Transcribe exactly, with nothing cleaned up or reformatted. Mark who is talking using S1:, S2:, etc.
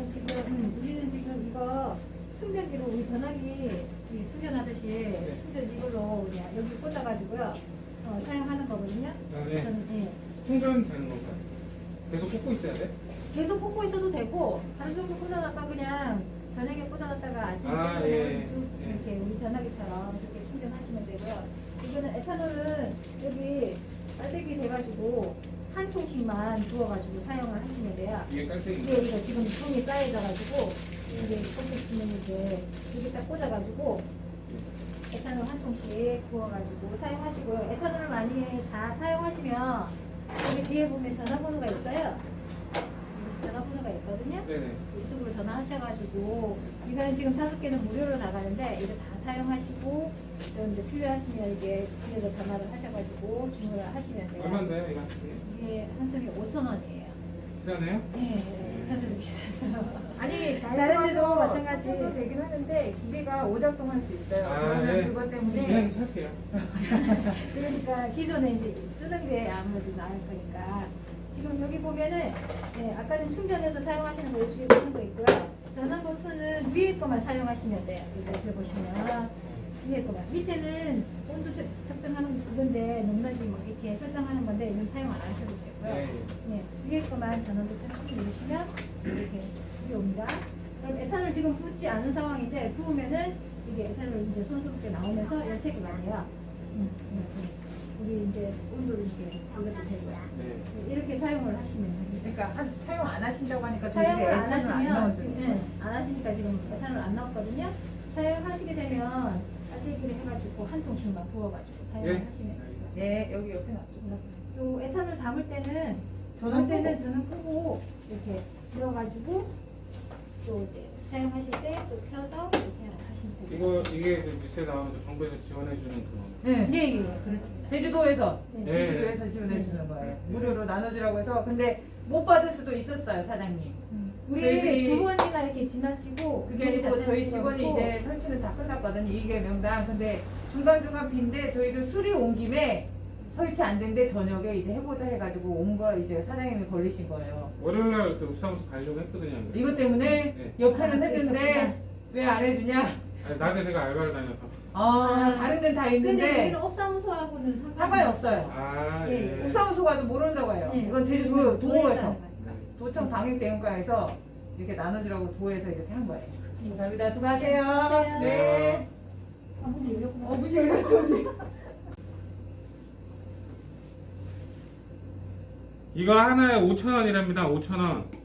S1: 우리는 지금 음, 우리는 지금 이거 충전기로 우리 전화기 이 충전하듯이 충전 이걸로 그냥 여기 꽂아가지고요 어, 사용하는 거거든요.
S2: 아, 네.
S1: 저는 예.
S2: 충전되는 건가요? 계속 꽂고 있어야 돼?
S1: 계속 꽂고 있어도 되고 하루 종일 꽂아놨다 그냥 저녁에 꽂아놨다가 아침에
S2: 아,
S1: 꽂아놓으면
S2: 예,
S1: 쭉
S2: 예.
S1: 이렇게 우리 전화기처럼 이렇게 충전하시면 되고요. 이거는 에탄올은 여기 빨대기 돼가지고 한 통씩만 부어가지고 사용을 하시면 돼요.
S2: 이게 깔때기.
S1: 이게 이거 지금 통이 쌓여져가지고 이제 꽂으시면 이제 여기 딱 꽂아가지고 에탄올 한 통씩 부어가지고 사용하시고요. 에탄올을 많이 다 사용하시면 여기 뒤에 보면 전화번호가 있어요. 여기 전화번호가 있거든요.
S2: 네네.
S1: 이쪽으로 전화하셔가지고 이거는 지금 다섯 개는 무료로 나가는데 이거 다 사용하시고 또 이제 필요하시면 이게 뒤에서 전화를 하셔가지고 주문을 하시면 돼요.
S2: 얼마인데요, 이거?
S1: 이게 한 통에 오천 원이에요.
S2: 비싸네요?
S1: 네, 사실 비싸요.
S3: 아니
S1: 다른 데도 마찬가지.
S3: 사도 되긴 하는데 기계가 오작동할 수 있어요.
S2: 아,
S3: 그러면
S2: 네.
S3: 그것 때문에
S2: 그냥 살게요.
S1: 그러니까 기존에 이제 쓰는 게 아무래도 나을 거니까 지금 여기 보면은 네, 아까는 충전해서 사용하시는 거 이쪽에 보는 거 있고요. 전원 버튼은 위에 거만 사용하시면 돼요. 여기 들어보시면 위에 거만. 밑에는 온도 적- 적정하는 그건데 높낮이 뭐 이렇게 설정하는 건데 이건 사용 안 하셔도 되고요.
S2: 네.
S1: 네, 위에 거만 전원 버튼 한 번 누르시면 이렇게 이게 옵니다. 그럼 에탄올 지금 붓지 않은 상황인데 부으면은 이게 에탄올 이제 손스럽게 나오면서 열체가 나요. 음, 이렇게. 우리 이제 온도를 이렇게 올려도 되고요.
S2: 네.
S1: 네, 이렇게 사용을 하시면 됩니다.
S3: 그러니까 한- 사용 안 하신다고 하니까
S1: 사용을 안
S3: 에탄올
S1: 하시면 지금
S3: 넣어드리고.
S1: 네, 안 하시니까 지금 에탄올 안 나왔거든요. 사용하시게 되면 빨대기를 해가지고 한 통씩만 부어가지고 사용을
S2: 예.
S1: 하시면 됩니다.
S3: 네, 여기 옆에 놔둬.
S1: 요 에탄올 담을 때는
S3: 전원
S1: 담을 때는
S3: 끄고.
S1: 저는 끄고 이렇게 넣어가지고 또 이제 사용하실 때 또 펴서 또 사용하시면 됩니다.
S2: 이거, 이게 그 뉴스에 나오는 정부에서 지원해주는 그거.
S3: 네.
S1: 네, 예, 그렇습니다.
S3: 제주도에서
S1: 네.
S2: 네.
S3: 제주도에서 지원해 주는 거예요.
S2: 네.
S3: 무료로 나눠주라고 해서 근데 못 받을 수도 있었어요, 사장님.
S1: 음. 우리
S3: 저희들이-
S1: 두 번이나 이렇게 지나시고
S3: 그게 아니고
S1: 문이
S3: 저희
S1: 닫혀있는
S3: 직원이
S1: 거고
S3: 이제 설치는 다 끝났거든요. 이게 명당. 근데 중간중간 빈데 저희도 수리 온 김에 설치 안 된데 저녁에 이제 해보자 해가지고 온 거 이제 사장님이 걸리신 거예요.
S2: 월요일날 그 읍사무소 가려고 했거든요. 안 그래요?
S3: 이것 때문에
S2: 네.
S3: 옆에는
S1: 아,
S3: 했는데
S1: 그랬었구나.
S3: 왜 안 해주냐?
S2: 아니, 낮에 제가 알바를 다녀서.
S3: 아,
S1: 아.
S3: 다른 데는 다
S1: 근데
S3: 있는데
S1: 우리는 업사무소하고는 상관이,
S3: 상관이 없어요.
S2: 아,
S1: 예.
S2: 예.
S3: 옥사무소 가도 모른다고 해요.
S1: 네.
S3: 이건 제주도
S1: 우리는
S3: 도에서
S1: 하는 거니까.
S3: 도청 방역대응과에서 이렇게 나눠주라고 도에서 이렇게 한 거예요.
S1: 네.
S3: 감사합니다. 수고하세요.
S1: 수고하세요.
S3: 네.
S1: 아, 문이 열렸구나.
S3: 어, 문이 열렸어. 언니.
S2: 이거 하나에 오천 원이랍니다. 오천 원.